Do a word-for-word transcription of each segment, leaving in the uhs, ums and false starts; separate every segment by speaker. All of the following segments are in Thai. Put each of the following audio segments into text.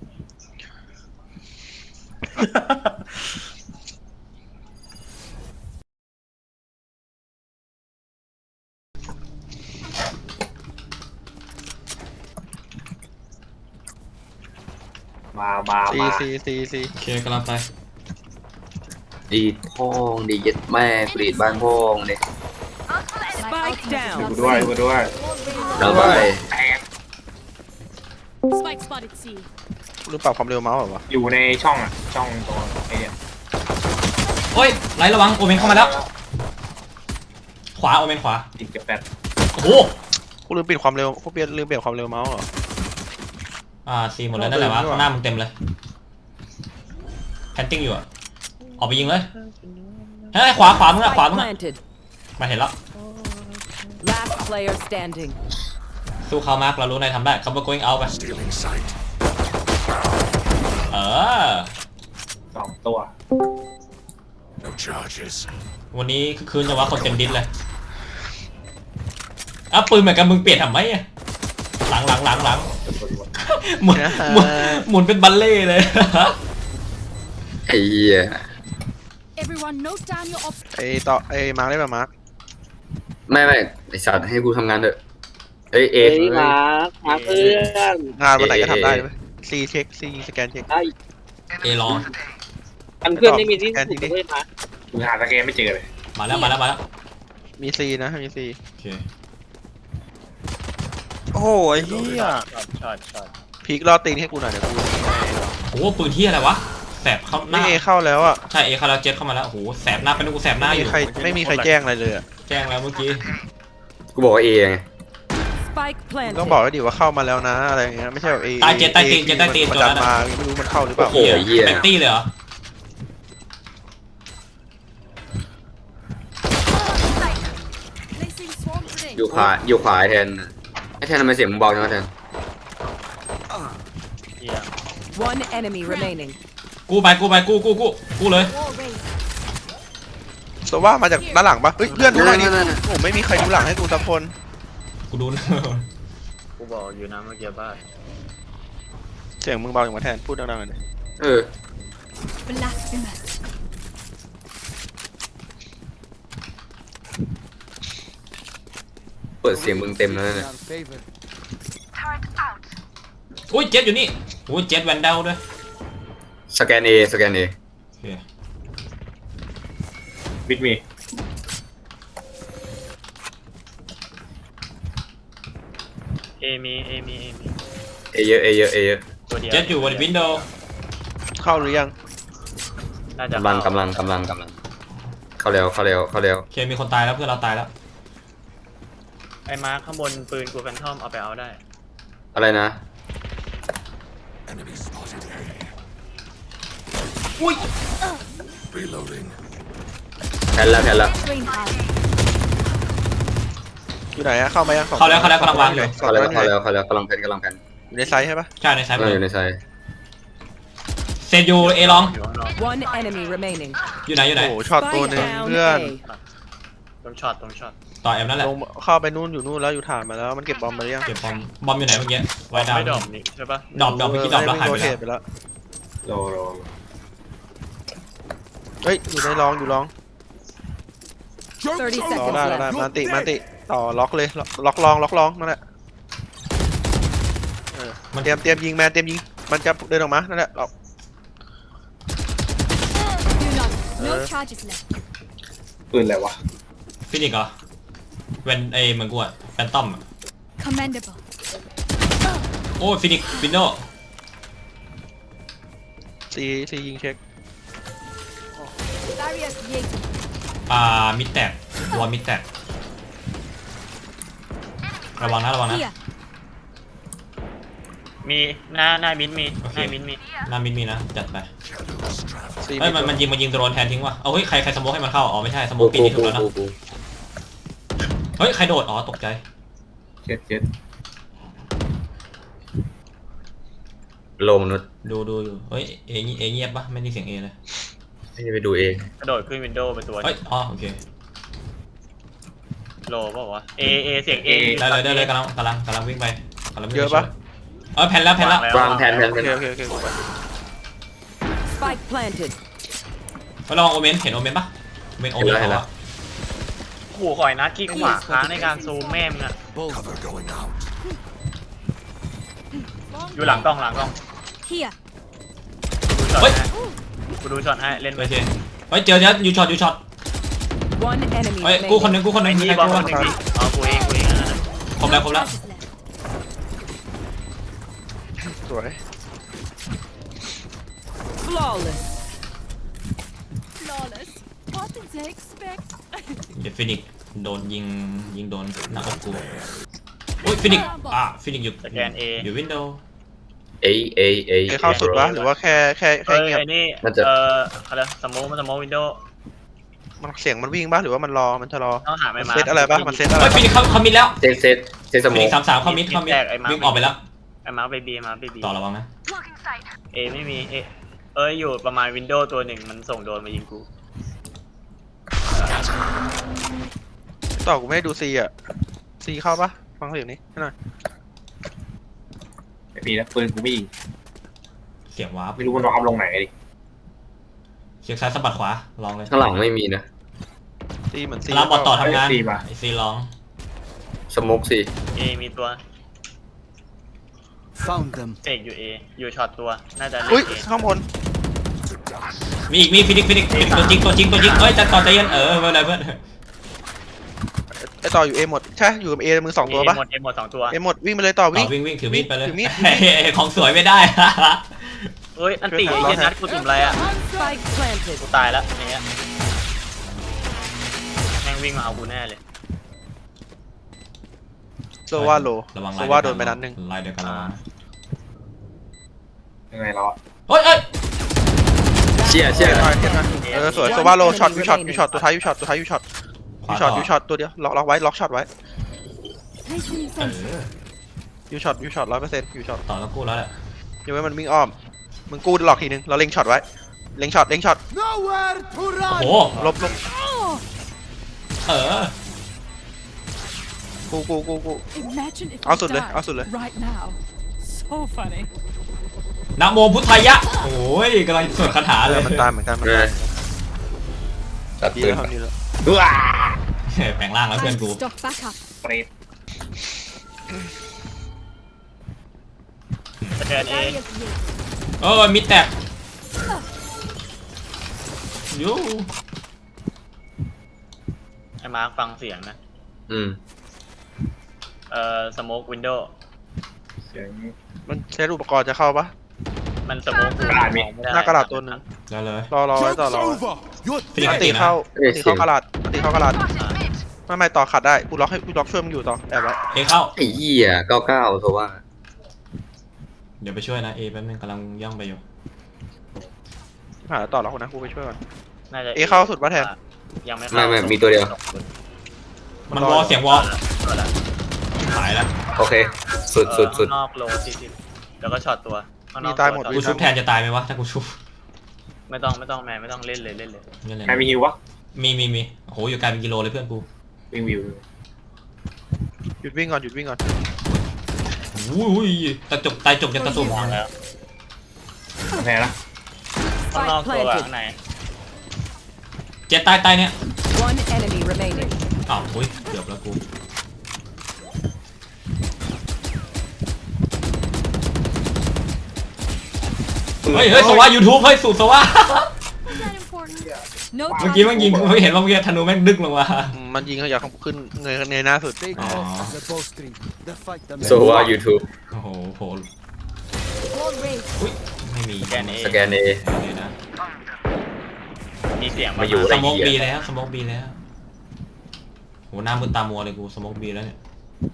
Speaker 1: มามา
Speaker 2: ซี
Speaker 1: มา
Speaker 2: ซีซีซี
Speaker 3: โอเคกำลังไป
Speaker 4: ดีดพ่องดีเย็ดแม่กรีดบ้านพ่องเนี่ย
Speaker 5: Spike
Speaker 1: ดู
Speaker 5: down.
Speaker 1: ด้วยดูด้วย
Speaker 4: เราไป
Speaker 1: แตก
Speaker 6: Spike spotted C.
Speaker 2: ลืมปรับความเร็วเมาส์เหรอวะ
Speaker 1: อยู่ในช่องอ่ะช่องตรงไอ้เนี่ย
Speaker 3: โอ้ยไล่ระวังโอเมนเข้ามาแล้วขวาโอเมนขวา
Speaker 1: ติดกับแปด
Speaker 3: โอ้โห
Speaker 2: กูลืมปิดความเร็วกูเปลี่ยนลืมเปลี่ยนความเร็วเมาส์เหรอ
Speaker 3: อ่าซีหมดแล้วนั่นแหละวะข้างหน้ามึงเต็มเลยแพนติ้งอยู่อะออกไปยิงเลยเฮ้ยขวาขวามึงอะขวา
Speaker 5: Spike
Speaker 3: มึงอะ
Speaker 5: planted.
Speaker 3: มาเห็นแล้ว
Speaker 5: Last player standing.
Speaker 3: สู้เขามาร์กเรารู้นายทำได้เขาไป going out ไปเออ
Speaker 1: สองตัว
Speaker 3: วันนี้คือคืนจะว่าคนเต็มดิสเลยอ่ะปืนเหมือนกันมึงเปลี่ยนทำไมอะหลังหลังหลังหลังหมุนหมุนหมุนเป็นบัลเล่เลย
Speaker 4: ไอ้เหี้ย
Speaker 6: Everyone note down your op.
Speaker 2: ไอ้ต่อไอ้มาร์กได้ป่ะมาร์ก
Speaker 4: ไม่ไม่ไอสัตว์ให้กูทำงานเถอะเอ้ยเอ
Speaker 7: เฮ้ยมามาเพื่อน
Speaker 2: งานวันไหนก็ทำได้เลยซีเช็คซีสแกนเช็ค
Speaker 7: ไอ้
Speaker 3: เอลอง
Speaker 7: อันเพื่อนไม่มีที่
Speaker 2: แอนที่
Speaker 7: ถูก
Speaker 2: นี่
Speaker 7: เลยมา
Speaker 1: กูหาสเกมไม่เจอเลย
Speaker 3: มาแล้วมาแล้วมาแล้ว
Speaker 2: มีซีนะมีซี
Speaker 3: โอเค
Speaker 2: โอ้ยเฮีย
Speaker 1: ช็อตช็อต
Speaker 2: พีกรอตีนให้กูหน่อยเดี๋ยวกู
Speaker 3: โอ้โหปืนที่อะไรวะแสบเข้าห
Speaker 2: นี่
Speaker 3: น้า
Speaker 2: เอเข้าแล้วอ่ะ
Speaker 3: ใช่เอคาราเจ็ตเข้ามาแล้วโอ้โหแสบหน้าเป็นกูแสบหน้า
Speaker 2: ไม่
Speaker 3: อ
Speaker 2: มี
Speaker 3: ยู่
Speaker 2: ใครไม่มีใครแจ้งอะไรเลยอ่ะ
Speaker 3: แจ้งแล้วเมื่อกี้
Speaker 4: กูบอกว่าเอไง
Speaker 5: Spike
Speaker 2: มึงต้อง
Speaker 5: planted.
Speaker 2: บอกแล้วดิว่าเข้ามาแล้วนะอะไรอย่างเงี้ยไม่ใช่แบบเอ
Speaker 3: ใต้เจ็ดใต้ตีนเจ็ดใต้ตีน
Speaker 2: มัน
Speaker 3: ตัว
Speaker 2: ดั
Speaker 3: นั้น น
Speaker 2: มา
Speaker 3: อะ
Speaker 2: ไม่รู้มันเข้าหรือเปล่า
Speaker 4: โอ้โหเหี้ย
Speaker 3: เป็นตี้เลยเหรอ
Speaker 6: Placing swarm grenade.
Speaker 4: อยู่ขวาอยู่ขวาไอ้แทนไอ้แทนทำไมเสียงมึงเบาจังวะแทน
Speaker 5: One enemy remaining.
Speaker 3: กูไปกูไปกูกูกูกูเลย
Speaker 6: Wall raised.
Speaker 2: ตัวว่ามาจากด้านหลังปะเฮ้ยเพื่อนดูหน่อยดิ
Speaker 4: นั่นๆ
Speaker 2: โอ้ไม่มีใครดูหลังให้กูสักคน
Speaker 3: กูดูนะ
Speaker 7: กูบอกอยู่นะเมื่อกี้บ้าน
Speaker 2: เสียงมึงเบาอย่างมาแทนพูดดังๆหน่อยดิ
Speaker 4: เออ
Speaker 6: Blasphemous.
Speaker 4: เปิดเสียงมึงเต็มแล้วเนี่ย
Speaker 3: อุ้ยเจ็ดอยู่นี่อุ้ยเจ็ดแวนเดลด้วย
Speaker 4: สแกนเอสแกนเอ
Speaker 3: โอเค
Speaker 1: บิ๊กมี
Speaker 7: เอมีเอมีเอมี
Speaker 4: เอเยอะเอเยอะเอเยอะ
Speaker 7: ตัวเดียว
Speaker 3: เจ็ดอยู่บนวินโดว์
Speaker 2: เข้าหรือยัง
Speaker 7: น่าจะ
Speaker 4: กำลังกำลังกำลังกำลังเข้าเร็วเข้าเร็วเข้าเร็ว
Speaker 3: โอเคมีคนตายแล้วเพื่อนเราตายแล้ว
Speaker 7: ไอ้มาร์คข้างบนปืนกูแฟนทอมเอาไปเอาได้
Speaker 4: อะไรนะ
Speaker 3: อุ้ย
Speaker 4: แทนแล้วแทนแล้ว
Speaker 6: Brain power.
Speaker 2: อยู่ไหนอะเข้ามายังสอง
Speaker 3: เข้าแล้วเข้าแล้วกำลังวางอยู่
Speaker 2: สอง
Speaker 4: เข้า
Speaker 2: ตัว
Speaker 4: แล้ว
Speaker 2: อยู่
Speaker 4: เข้า
Speaker 2: ไหน
Speaker 4: แล้วเข้าแล้วกำลังแพนกำลังแพน
Speaker 2: อยู่ในไซส์ใช่ปะ
Speaker 3: ใช่ในซ้าย
Speaker 4: เอ
Speaker 3: มื
Speaker 4: อ
Speaker 3: อ
Speaker 4: อยู่ในไซ
Speaker 3: เซนยูเอลอง
Speaker 7: อยู่ข้างนอก
Speaker 5: One enemy remaining.
Speaker 3: อยู่ไหนอยู่ไหน
Speaker 2: โอ้โหช็อตตัวหนึ่ง
Speaker 5: down
Speaker 2: เพื่อน
Speaker 5: A.
Speaker 7: ตรงช็อตตรงช็อต
Speaker 3: ต่อเอ็มนั่นแหละ
Speaker 2: ลงเข้าไปนู่นอยู่นู่นแล้วอยู่ฐานมาแล้วมันเก็บบอมมาหรือยัง
Speaker 3: เก็บบอมบอมอยู่ไหนเมื่อกี้ไว้ดาว
Speaker 7: ไม่ดอมนี่ใช่ปะ
Speaker 3: ดอบดอบเมื่อกี้ดอบแล้วหายไป
Speaker 2: โรเท
Speaker 3: แล้ว
Speaker 2: ตไปแล้ว
Speaker 1: โลโล
Speaker 2: เฮ้ยอยู่ในรองอยู่รอง
Speaker 5: Thirty
Speaker 2: รอ
Speaker 5: seconds
Speaker 2: ได้รอได้
Speaker 5: left.
Speaker 2: มันติมันติต่อล็อกเลยล็อกล็อกรองล็อกรองนั่นแหละเออมันเตรียมเตรียมยิงแมนเตรียมยิงมันจะเดินออกมานั่นแหละล็อก
Speaker 6: Do not. No
Speaker 2: Uh.
Speaker 6: charges left.
Speaker 1: ปืนอะไรวะ
Speaker 3: ฟินิกเหรอเวนเอเหมือนกูอะแฟนตอมอะ
Speaker 6: Commendable.
Speaker 3: โอ้ฟินิกวินโดว์
Speaker 2: ซีซียิงเช็ค
Speaker 6: Barrier created.
Speaker 3: อ่ามิดแตกวอลมิดแตกระวังนะระวังนะ
Speaker 6: Here.
Speaker 7: มีหน้าหน้ามิ้นมี
Speaker 3: โอเค
Speaker 7: หน้ามิ้นมี
Speaker 3: หน้ามิดมีนะจัดไป
Speaker 2: ซี
Speaker 3: เฮ้ยมันมันยิงมันยิงโดรนแทนทิ้งว่ะเอาเฮ้ยใครใครสโมกให้มันเข้าอ๋อไม่ใช่สโม
Speaker 4: กู
Speaker 3: กปี
Speaker 4: กู
Speaker 3: นี้ถู
Speaker 4: กู
Speaker 3: กแล้วนะ
Speaker 4: กูกู
Speaker 3: เฮ้ยใครโดดอ๋อตกใจ
Speaker 1: เจ็ดเจ็ด
Speaker 4: โลมนุษย์
Speaker 3: ดูดูอยู่เฮ้ยเอเงีเอเงียบปะไม่ได้เสียงเอเลย
Speaker 4: ให้ไปดูเอง
Speaker 7: กระโดดขึ้นวินโดว์ไปตัว
Speaker 3: เฮ้ยอ๋อโอเค
Speaker 7: โลเปล่าวะเอเอเสียงเอ
Speaker 3: ได้เลยได้เลยกำลังกำลังกำลังวิ่งไปกำลังวิ่ง
Speaker 2: เย
Speaker 3: ไป
Speaker 2: อะปะ
Speaker 3: เออแผ่นแล้วแผ่นแล้ว
Speaker 4: วางแผนแผน
Speaker 2: โอ
Speaker 4: แผน
Speaker 2: เคโอเคโอเคกูไป
Speaker 5: Spike planted.
Speaker 3: ไปลองโอเมนเห็นโอเมนปะโอเมนโอเมนเขาอะ
Speaker 7: ขู่ข่อยนัดขี้ขวาค้างในการซูมแม่มึงอะอยู่หลังกล้องหลังกล้อง
Speaker 6: Here.
Speaker 7: กูดูช็อตให้กูดูช็อตให้เล่น
Speaker 3: โอ
Speaker 7: ไป
Speaker 3: เคเฮ้ยเจอเจอยูช็อตยูช็อต
Speaker 5: One enemy
Speaker 3: เฮ้ยกูคนหนึ
Speaker 5: remaining.
Speaker 3: งกูคนหนึ
Speaker 7: ไอ้
Speaker 3: ง
Speaker 7: นี่
Speaker 3: ใคร
Speaker 7: บอล
Speaker 3: กู
Speaker 7: ค
Speaker 3: วะ
Speaker 7: นหนึ่งดิอ๋อกูเองกูเองอันนั้นนะ
Speaker 3: ครบแล้วครบแล้ว
Speaker 6: Charges left.
Speaker 2: สวย
Speaker 5: Flawless.
Speaker 6: Flawless. What did they expect?
Speaker 3: เดี๋ยวฟินิกโดนยิงยิงโดนหน้าอกกูอุ้ยฟินิกอ่ะฟินิกอยู่
Speaker 7: สแกน A
Speaker 3: อยู่วินโดว์
Speaker 4: เอเอเอ
Speaker 2: เอเข้าสุดวะหรือว่าแค่แค่แค่
Speaker 7: เอ้ย
Speaker 2: เงียบ
Speaker 7: ไอ้นี่
Speaker 4: มันจะ
Speaker 7: เอ่ออะไรสโมกมันสโมกวินโดว์
Speaker 2: มันเสียงมันวิ่งปะหรือว่ามันรอมันจะรอ
Speaker 7: ต้องหาไม่มา
Speaker 2: เซตอะไรปะมันเซตอะไร
Speaker 3: เฮ้ยฟินิกเขาเขามิดแล้ว
Speaker 4: เซตเซตเซตส
Speaker 3: ฟิ
Speaker 4: โม
Speaker 3: นิ
Speaker 4: ก
Speaker 3: กสามสามเขามิดเขามิดวิ่งออกไปแล้ว
Speaker 7: ไอ้มาร์คไปบีมาร์คไปบี
Speaker 3: ต่อระวังนะ
Speaker 7: เอไม่มีเอเอ้ยอยู่ประมาณวินโดว์ตัวหนึ่งมันส่งโดนมายิงกู
Speaker 2: ต่อกูไม่ได้ดูซีอ่ะซีเข้าปะฟังเสียงนี้ให้หน่อย
Speaker 1: ไม่มีนะปืนกูไม่ยิง
Speaker 3: เสียงวาร์ป
Speaker 1: ไม่รู้มันวางลงไหนดิ
Speaker 3: เสียงซ้ายสะบัดขวาลองเลย
Speaker 4: ข้างหลังไม่มีนะ
Speaker 2: ซีเหมือนซี
Speaker 3: รับบอลต่อทำงาน
Speaker 1: ซีมา
Speaker 3: ไอซีลอง
Speaker 4: สโมกสิ
Speaker 7: เอมีตัว
Speaker 8: Found them.
Speaker 7: เอกอยู่เออยู่ช็อตตัวน่าจะเล่
Speaker 2: อุ้ย
Speaker 7: นเอ
Speaker 2: ข้างบน
Speaker 3: มีอีกมีฟินิกฟินิกฟินิกตัวจริงตัวจริงตัวจริงเอ้ยจะต่อใจเย็นเออไม่เป็นไรเพื่อน
Speaker 2: ไอต่ออยู่เอหมดใช่อยู่กับเอมือสองตัวปะ
Speaker 7: เอหมดเอหมดสองตัว
Speaker 2: เอหมดวิ่งไปเลยต่อ
Speaker 3: ต่
Speaker 2: วิ่
Speaker 3: อง วิ่งวิ่งถือมีดไปเลย
Speaker 2: ถือมีด
Speaker 3: ของสวยไม่ได้
Speaker 7: เอ้ยอันตีไอ้เหี้ยนัดกูสุ่มอะไรอ่ะ
Speaker 5: Spike planted.
Speaker 7: กูตายแล้วอย่างเงี้ยแม่งวิ่งมาเอากูแน่เลย
Speaker 2: โซว่าโล
Speaker 3: ระวัง
Speaker 2: โซว่าโดนไปนัดหนึ่ง
Speaker 3: ลายเดียวกันระวังนะ
Speaker 1: ยังไงเราอะ
Speaker 3: เฮ้ยเอ้ย
Speaker 4: เชี่ยเชี่ย
Speaker 2: เทียบหน่อยเทียบหน่อยเออสวยโซว่าโลช็อตยูช็อตยูช็อตตัวท้ายยูช็อตตัวท้ายยูช็อต
Speaker 3: ขวา
Speaker 2: ยูช็อต
Speaker 3: ต่
Speaker 2: ยูช็อตตัวเดียวล็อกล็อกไว้ล็อกช็อตไว้
Speaker 6: Placing
Speaker 3: เอ
Speaker 6: sensor.
Speaker 3: อ
Speaker 2: ยูช็อตยูช็อตร้อยเปอร์เซ็นต์ยูช็อต
Speaker 3: ต่อแล้วกู้แล้วแหละ
Speaker 2: ยังไม่มันวิ่งอ้อมมึงกู้หลอกทีนึงเราเล็งช็อตไว้เล็งช็อตเล็งช็อต
Speaker 8: Nowhere to
Speaker 3: โอ้
Speaker 8: run.
Speaker 3: โห
Speaker 2: ลบลบ
Speaker 3: เออ
Speaker 2: กูกูกูกู
Speaker 6: Imagine if
Speaker 2: เอา
Speaker 6: we
Speaker 2: สุดเลย
Speaker 6: died
Speaker 2: เอาสุดเลย
Speaker 6: right now. So funny.
Speaker 3: นะโมพุทธายะโอ้ยกำลังสวดคาถา
Speaker 2: เอ
Speaker 3: เล
Speaker 2: อย มันตามเหมือนกันมัน
Speaker 4: เอ
Speaker 2: ตา
Speaker 4: อ
Speaker 2: ม
Speaker 4: ตัด
Speaker 2: ดี
Speaker 4: ปืน
Speaker 2: แล้วครับดีแล้ว
Speaker 1: ว้า
Speaker 3: แปลงร่างแล้วเพื่อน
Speaker 6: Time
Speaker 3: กู
Speaker 6: to stock back up.
Speaker 1: เปรต
Speaker 7: สแกนเอ
Speaker 6: Barriers here.
Speaker 3: เออมิดแตกยู
Speaker 7: ไอ้มาร์คฟังเสียงนะ
Speaker 4: อืม
Speaker 7: เอ่อสโมกวินโดว์
Speaker 1: เสียง
Speaker 2: มันเซตอุปกรณ์จะเข้าปะ
Speaker 7: มันสโมก
Speaker 1: กระดาษมี
Speaker 2: หน้ากระดาษตัวหนึ่ง
Speaker 3: ได้เลย
Speaker 2: รอรอไว้ต่อ
Speaker 8: Joke's
Speaker 2: รอ
Speaker 8: over. You're
Speaker 3: ฟินิก
Speaker 2: อัน
Speaker 3: ตี
Speaker 2: ตี
Speaker 3: นะ
Speaker 2: เข้าอันตีเข้ากระดาษอันตีเข้ากระดาษไม่ไม่ต่อขัดได้กูล็อกให้กูล็อกช่วยมึงอยู่ต่อแอบไว้
Speaker 3: เอเข้า
Speaker 4: ไอ้เหี้ยเก้าเก้าโซว่า
Speaker 3: เดี๋ยวไปช่วยนะเอแป๊บนึงกำลังย่องไปอยู่
Speaker 2: หาต่อล็อกนะกูไปช่วยก่อน
Speaker 7: น่าจะ
Speaker 2: เอเข้าสุดปะแทน
Speaker 7: ยังไม่เข้า
Speaker 4: ไม่ไม่มีตัวเดียว
Speaker 3: มันวอลเสียงวอล
Speaker 7: เอาละ
Speaker 3: หายแล้ว
Speaker 4: โอเค สุดสุดสุด
Speaker 7: ข้างนอกโลสี่สิบแล้วก็ช็อตตัวข้างนอก
Speaker 2: มีตายหมด
Speaker 7: ตัว
Speaker 3: กูชุบแทนจะตายไหมวะถ้ากูชุบ
Speaker 7: ไม่ต้องไม่ต้องแมนไม่ต้องเล่นเลยเล่นเลย
Speaker 3: นี่เลย
Speaker 1: ใครมีฮิววะ
Speaker 3: มีมีมีโอ้โหอยู่ไกลเป็นกิโลเลยเพื่อนกู
Speaker 1: วิ่งวิว
Speaker 2: หยุดวิ่งก่อนหยุดวิ่งก่อน
Speaker 3: อุ้ยตะจกตายจกจะตะตุ่ม
Speaker 7: วางแล้ว
Speaker 1: แพ้ละ
Speaker 7: ข้างนอก
Speaker 5: Spike
Speaker 7: ตัวกับ
Speaker 5: planted.
Speaker 7: ข้างใน
Speaker 3: เจ็ดตายตายเนี่ย
Speaker 5: One enemy remaining.
Speaker 3: อ้าวอุ้ยเกือบแล้วกูเฮ้ยเฮ้ยสวะยูทูบเฮ้ยสูตรสวะ
Speaker 6: Was that important? No
Speaker 3: เมื่อ
Speaker 6: time
Speaker 3: กี้แมันยิง
Speaker 6: for
Speaker 3: ไม่เห็นว่าเมื่อกี้ธนูแม่งดึกลงมา
Speaker 2: อืมมันยิงเขาอยากขึ้นเงยเงยหน้าสุด
Speaker 8: Take
Speaker 3: Aw.
Speaker 8: off the bowstring. The fight the
Speaker 4: โซว่า YouTube
Speaker 3: โอ้โหโผล่
Speaker 6: Wall raised.
Speaker 3: อุ้ยไม่มี
Speaker 7: สแกนเอ
Speaker 4: สแกนเอ
Speaker 3: เลยนะ
Speaker 7: มีเสียง
Speaker 4: มาอยู่
Speaker 3: ส
Speaker 4: ไอ้
Speaker 3: โมก
Speaker 4: เหี้ย
Speaker 3: บีแล้วสโมกบีแล้วโหหน้ามึนตามัวเลยกูสโมกบีแล้วเนี่ย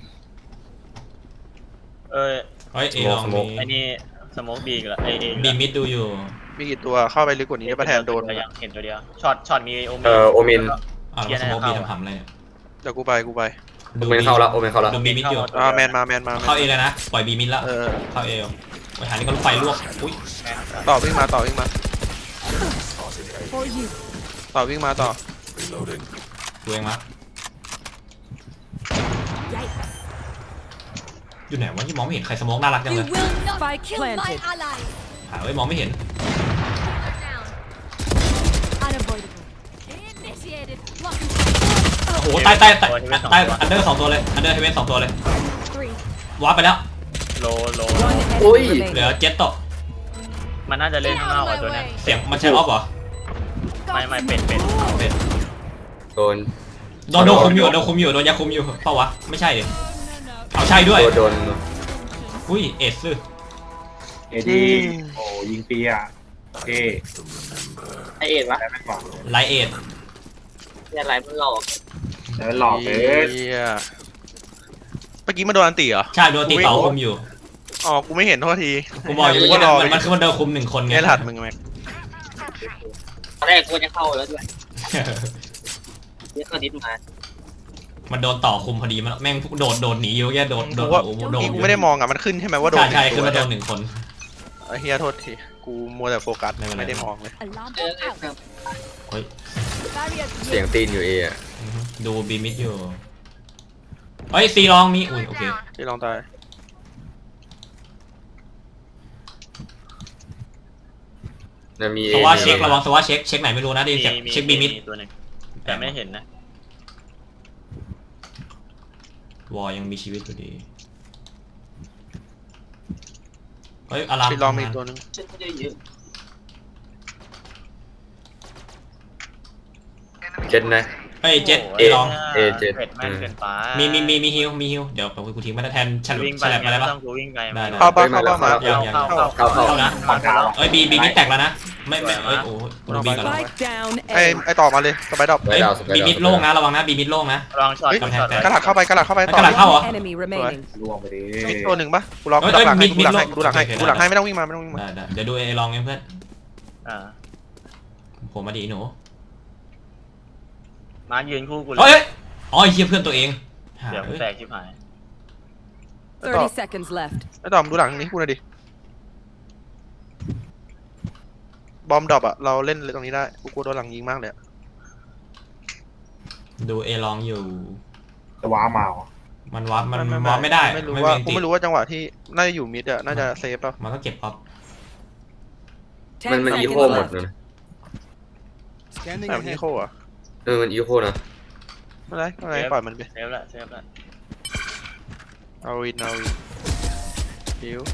Speaker 7: เอ้ย
Speaker 3: เฮ้ยเอลอง
Speaker 4: สโมก
Speaker 7: ไอ้นี่สโมกบีกันละไอเอ
Speaker 3: บีมิดดูอยู่
Speaker 2: มีกี่ตัวเข้าไปลึกกว่านี้ได้ปะแทนโดน
Speaker 7: ตัวยังเห็นตัวเดียวช็อตช็อตมีโอเม
Speaker 4: เอ่อโอเมน
Speaker 3: อ้าวแล้วสโมกบีทำหำอะไรเนี่ย
Speaker 2: เดี๋ยวกูไปกูไป
Speaker 4: โอเมนเข้าแล้วโอเมนเข้าแล้ว
Speaker 3: ดูบีมิดอยู่
Speaker 2: อ่าแมนมาแมนมาแม
Speaker 3: เข้าน เอเลยนะปล่อยบีมิดแล้ว
Speaker 2: เออ
Speaker 3: เข้าเอลไปหานี่ก็รถไฟลวกอุ้ย
Speaker 2: ต่อวิ่งมาต่อวิ่งมา
Speaker 6: For you.
Speaker 2: ต่อวิ่งมาต่อ
Speaker 3: กูเองมะ
Speaker 6: Yikes.
Speaker 3: อยู่ไหนวะที่มองไม่เห็นใครสโมกน่ารักจัง
Speaker 6: You
Speaker 3: เลย
Speaker 6: will not
Speaker 5: Spike
Speaker 6: kill my
Speaker 5: planted.
Speaker 6: ally.
Speaker 3: หาไว้มองไม่เห็น
Speaker 6: Down. Unavoidable. Initiated. Blocking.
Speaker 3: โอ้โหใต้ใต้ใต้ใต้อันเดอร์สองตัวเลยอันเดอร์เฮเวนสองตัวเลย
Speaker 6: Three.
Speaker 3: วาร์ปไปแล้ว
Speaker 7: โลโล
Speaker 5: One
Speaker 4: Ui.
Speaker 5: enemy
Speaker 3: เหลือ
Speaker 5: remaining.
Speaker 3: เจ็ตตก
Speaker 7: มันน่าจะเล่น
Speaker 6: Get
Speaker 7: ข้างนอก
Speaker 6: out
Speaker 7: อ่ะ
Speaker 6: of
Speaker 7: ตัว
Speaker 6: my
Speaker 7: เนี้ย
Speaker 6: way.
Speaker 3: เสียงมันใช้ออฟเหรอ
Speaker 7: ไม่ไม่เป็นเป็น
Speaker 3: เป็น
Speaker 4: โดน
Speaker 3: โดนโดนคุมอยู่โดนคุมอยู่โดนยาคุมอยู่เปล่าวะไม่ใช่ดิเอาใช่ด้วย
Speaker 4: โดนโดน
Speaker 3: อุ้ยเอสซึ
Speaker 1: เอดีโอ้ยิงปีอ่ะโอเค
Speaker 9: ไอเอ็ดวะ
Speaker 1: ได้ไหมก่อน
Speaker 3: ไลเอส
Speaker 9: เนี่ยอะไรมันหลอก
Speaker 1: แล้วหลอกเลย
Speaker 2: เหี้ยเมื่อกี้มันโดนอันตีเหรอ
Speaker 3: ใช่โดนตีเสาคุมอยู่
Speaker 2: อ๋อกูไม่เห็นโทษที
Speaker 3: กูบอกอยู่
Speaker 2: กู
Speaker 3: ว่า
Speaker 2: ก็รอ
Speaker 3: มันมันคือมันโดนคุมหนึ่งคนไง
Speaker 2: ไงถัดมึงแม็ก
Speaker 9: ตอนแรกกูจะเข้าแล้วด้วยเนี่ยตอนนี้มา
Speaker 3: มันโดนต่อคุมพอดีมันแม่งโดดโดดหนีอยู่แค่โดดโด
Speaker 2: กู
Speaker 3: ด
Speaker 2: ว่า
Speaker 3: โอ้โหโดด
Speaker 2: กูไม่ได้มองอ่ะมันขึ้นใช่ไหมว่าโด
Speaker 3: ใช่
Speaker 2: น
Speaker 3: ใช่
Speaker 2: ห
Speaker 3: คือ
Speaker 2: นึ่ง
Speaker 3: มันโด
Speaker 2: ตัวน
Speaker 3: หนึ่งคน
Speaker 2: ไอ้เฮียโทษทีกูมัวแต่โฟกัส
Speaker 3: ไม่เป็นไร
Speaker 2: ไม่ได้มองเลย
Speaker 6: Alarm
Speaker 9: เออ
Speaker 6: bell
Speaker 9: เออ
Speaker 6: out.
Speaker 3: เฮ้ย
Speaker 6: Barrier
Speaker 4: เสียงตีนอยู่เออะ
Speaker 3: อือฮึดูบีมิดอยู่เฮ้ยซีลองมีอุ้ยโอเค
Speaker 2: ที่ลองตาย
Speaker 4: นะมี
Speaker 3: สว่าเช็คระวังสว่าเช็คเช็คไหนไม่รู้นะได้ยินเสียง
Speaker 7: มี
Speaker 3: เช็คบีมิด
Speaker 7: ตัวหนึ่งแต่ไม่เห็นนะ
Speaker 3: วอยังมีชีวิตอยู่ดีเฮ้ยอาราม
Speaker 2: ที่ลองมีตัวหนึง
Speaker 9: ฉันจะเยอะ
Speaker 4: เจ็ดนะ
Speaker 3: เฮ้ยเจ็ด
Speaker 7: โโห
Speaker 3: เอลอง
Speaker 4: เอเจ็ด
Speaker 7: เผ็ดแม่งเกินไป
Speaker 3: มีมีมีมีฮิวมีฮิวเดี๋ยวกูทิ้งมาแทนฉลุ
Speaker 7: วิ่ง
Speaker 3: ฉ
Speaker 7: ไป
Speaker 3: ลับมาได้
Speaker 7: ไม่
Speaker 3: ปะ
Speaker 7: ต้องกูวิ่งไป
Speaker 3: ได้ได้
Speaker 2: เข้าบ้าเข้าบ้ามา
Speaker 3: ยังยัง
Speaker 7: เข้าเข้า
Speaker 4: เข้าเข้า
Speaker 3: เข้านะ
Speaker 7: มาเข้า
Speaker 3: เอ้ยบีบีมิดแตกแล้วนะไม่ไม่เอ้ยโอ้โหดูบีก่อน
Speaker 5: Spike down
Speaker 2: ไอ้
Speaker 5: A.
Speaker 2: ไอ้ต่อมาเลยสไปดอก
Speaker 4: ไว้
Speaker 3: เอ้ย
Speaker 4: ดาวสไป
Speaker 3: บี
Speaker 4: ดาว
Speaker 3: มิดโล่งนะระวังนะบีมิดโล่งนะ
Speaker 7: ลองช็อต
Speaker 2: เฮ้ย
Speaker 7: ลองช็อต
Speaker 3: กำแพงแต
Speaker 2: กระดาษเข้าไปกระดาษเข้าไปต่อ
Speaker 3: กระดาษเข้าเหรอ
Speaker 5: Enemy remaining.
Speaker 1: ล่วงไปดิ
Speaker 2: มีตัวหนึ่งปะกูรอ
Speaker 3: เอ้
Speaker 2: กู
Speaker 3: ย
Speaker 2: ดักหลังให้
Speaker 3: มิด
Speaker 2: กูดักให้
Speaker 3: มิด
Speaker 2: กูดักให้
Speaker 3: โอเค
Speaker 2: กูดักให้ไม่ต้องวิ่งมาไม่ต้องวิ่งมา
Speaker 3: ได้ได้เดี๋ยวดูเอลองเองเพื่อน
Speaker 7: อ่า
Speaker 3: ผมมาดีหนู
Speaker 7: มายืนคู่กูเล
Speaker 3: เฮ้
Speaker 7: ย
Speaker 3: ยอ๋อไอ้เหี้ยเพื่อนตัวเองหา
Speaker 7: เดี๋ยว
Speaker 3: เอ้ย
Speaker 7: แตกชิบหาย
Speaker 5: thirty seconds left.
Speaker 2: ไอ้ต่อมดูหลังนี้กูหน่อยดิบอมดรอปอะเราเล่นเลยตรงนี้ได้กูกลัวโดนหลังยิงมากเลยอะ
Speaker 3: ดูเอลองอยู่
Speaker 1: จะว้ามาเหรอ
Speaker 3: มันวับมันวับไม่ได้
Speaker 2: ไม่รู้
Speaker 3: ไม่
Speaker 2: ว่า
Speaker 3: มี
Speaker 2: กู
Speaker 3: ติด
Speaker 2: ไม่รู้ว่าจังหวะที่น่าจะอยู่มิดอะน่าจะเซฟป่ะ
Speaker 3: มันก็เก็บออฟ
Speaker 5: Ten
Speaker 4: มันมันอี
Speaker 5: seconds
Speaker 4: โคหมด
Speaker 5: left.
Speaker 4: เลยนะ
Speaker 8: Scanning
Speaker 2: แบบนี้
Speaker 8: ahead.
Speaker 2: โคอะ
Speaker 4: เออมันอีโคนะ
Speaker 2: ไม่เป็นไรไม่เป็นไรปล่อยมันไป
Speaker 7: เซฟละเซฟละ
Speaker 2: เอาวินเอาวินฮิว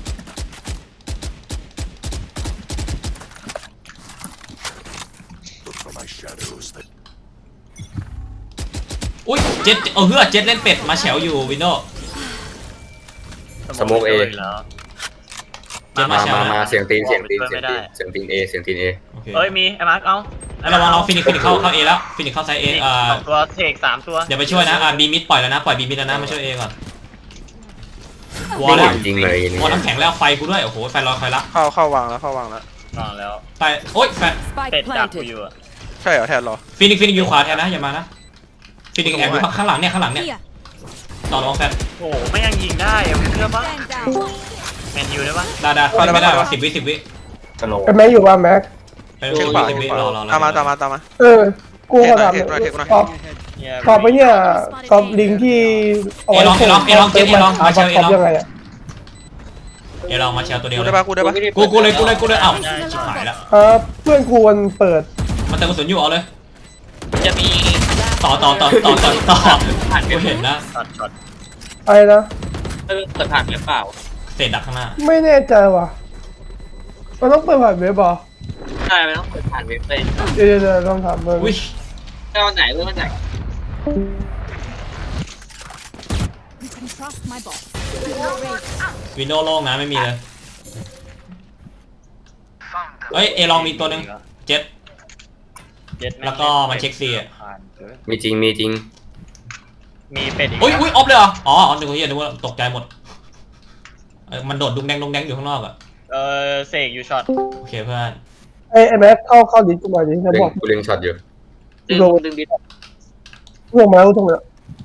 Speaker 3: อุ้ยเจ็ดเออเฮือเจ็ดเล่นเป็ดมาแฉวอยู่วินโดว์
Speaker 4: สโมกเอ
Speaker 7: แล้ว
Speaker 3: เจ็ด
Speaker 4: มา
Speaker 3: แชร์
Speaker 4: มา
Speaker 3: นะ
Speaker 4: มาเสียงตีนเสียงตีน
Speaker 7: ไม่
Speaker 4: เสียง
Speaker 7: ได้
Speaker 4: ตีนเสียงตีนเอเสียงตีนเอ
Speaker 3: โอเค
Speaker 7: เอ้ยมีไอ้มาร์คเอา
Speaker 3: แล้วระวังเราฟินิกฟินิกเข้าเข้าเอแล้วฟินิกเข้าไซเอ
Speaker 7: นี่
Speaker 3: เอ่อ
Speaker 7: สองตัวเทคสามตัว
Speaker 3: เดี๋ยวไปช่วยนะอ่าบีมิดปล่อยแล้วนะปล่อยบีมิดแล้วนะมาช่วยเอก่อนวอ
Speaker 4: ไม่
Speaker 3: ล
Speaker 4: เห็
Speaker 3: แล้ว
Speaker 4: นจริงเลยนี่
Speaker 3: วอลน้ำแข็งแล้วไฟกูด้วยโอ้โหไฟลอยไฟละ
Speaker 2: เข้าเข้าวางแล้วเข้าวางแล้ว
Speaker 7: นอนแล้ว
Speaker 3: ไฟโอ๊ยแฟน
Speaker 7: เป็ด
Speaker 5: Spike
Speaker 7: ดักกู
Speaker 5: planted.
Speaker 7: อยู่อะ
Speaker 2: ใช่เหรอแทนเหรอ
Speaker 3: ฟินิกฟินิกอยู่ขวาแทนนะอย่ามานะฟินิกแอบอยู่ข้างหลังเนี่ยข้างหลังเนี่ย
Speaker 6: Here.
Speaker 3: ต่อรองแฟน
Speaker 7: โอ้โหไม่ยังยิงได้อะมึงเชื่อปะ
Speaker 6: Stand down.
Speaker 7: แมนยูได้ปะ
Speaker 3: ได้ได้ไม่ได้สิบวิสิบวิ
Speaker 1: สโลว์
Speaker 10: เป็นแม็กอยู่ว่าแม็ก
Speaker 3: เป็น
Speaker 2: เช็
Speaker 3: สิ
Speaker 2: ค
Speaker 3: บ
Speaker 2: ขวา
Speaker 3: วิสิบวิรอรอ
Speaker 2: ตามมาตามมาตามมา
Speaker 10: เออ กูขอถาม
Speaker 2: เทคหน่อยเทคหน่อย
Speaker 10: ขอบ
Speaker 7: เนี่ย
Speaker 10: ขอบไปเนี่ยขอบลิงก์ที่เอาไว้ส่งเติมมาหาขอบยังไงอ่ะ
Speaker 3: เอลองมาแชร์ตัวเดียว
Speaker 2: กู
Speaker 3: เล
Speaker 2: ได้
Speaker 3: ย
Speaker 2: ปะกูได้ปะ
Speaker 3: กูกูเลยกูเลยกูเลยเอ้าชิบหายละ
Speaker 10: เออเพื่อนกูมันเปิด
Speaker 3: มันเติมกระสุนอยู่เอาเลย
Speaker 9: จะมี
Speaker 3: ต่อต่อต่อต่อต่อต่อกูเห็นนะ
Speaker 7: ช็อตช็อต
Speaker 10: อะไรนะ
Speaker 9: เออเปิดผ่านหรือเปล่า
Speaker 3: เศษดักข้างหน้า
Speaker 10: ไม่แน่ใจว่ะ มันต้องเปิดผ่านเว็บเหรอ
Speaker 9: ใช่ไม่ต้องเปิดผ่านเว็บเลย
Speaker 10: เดี๋ยวเดี๋ยวลองถามมึง
Speaker 3: อุ้ย
Speaker 9: ไม่วันไหนเมื่อวันไหน
Speaker 6: You can trust my boss.
Speaker 3: วินโดว์โล่งนะไม่มีเลยเอ้ยเอลองมีตัวหนึ่งเจ็ด
Speaker 7: เจ็ด
Speaker 3: แล้วก็มันเช็คซีอะ
Speaker 7: ผ่านเกิน
Speaker 4: มีจริงมีจริง
Speaker 7: มีเป็ดอีก
Speaker 3: อุ้ยอุ้ยออฟเลยเหรออ๋ออ๋อนึกว่าเหี้ยนึกว่าตกใจหมดเอ้ยมันโดดดุงแดงดุงแดงอยู่ข้างนอกอะ
Speaker 7: เออเสกอยู่ช็อต
Speaker 3: โอเคเพื่อน
Speaker 10: ไอ้ไอ้แม็กเข้าเข้าดิสกูมาดิจะ
Speaker 4: เล็
Speaker 10: บ
Speaker 4: ง
Speaker 10: อก
Speaker 4: กูเล็งช็อตอยู่
Speaker 9: ดึงดึงดิ
Speaker 10: ลงมาแล้วตรงเนี้ย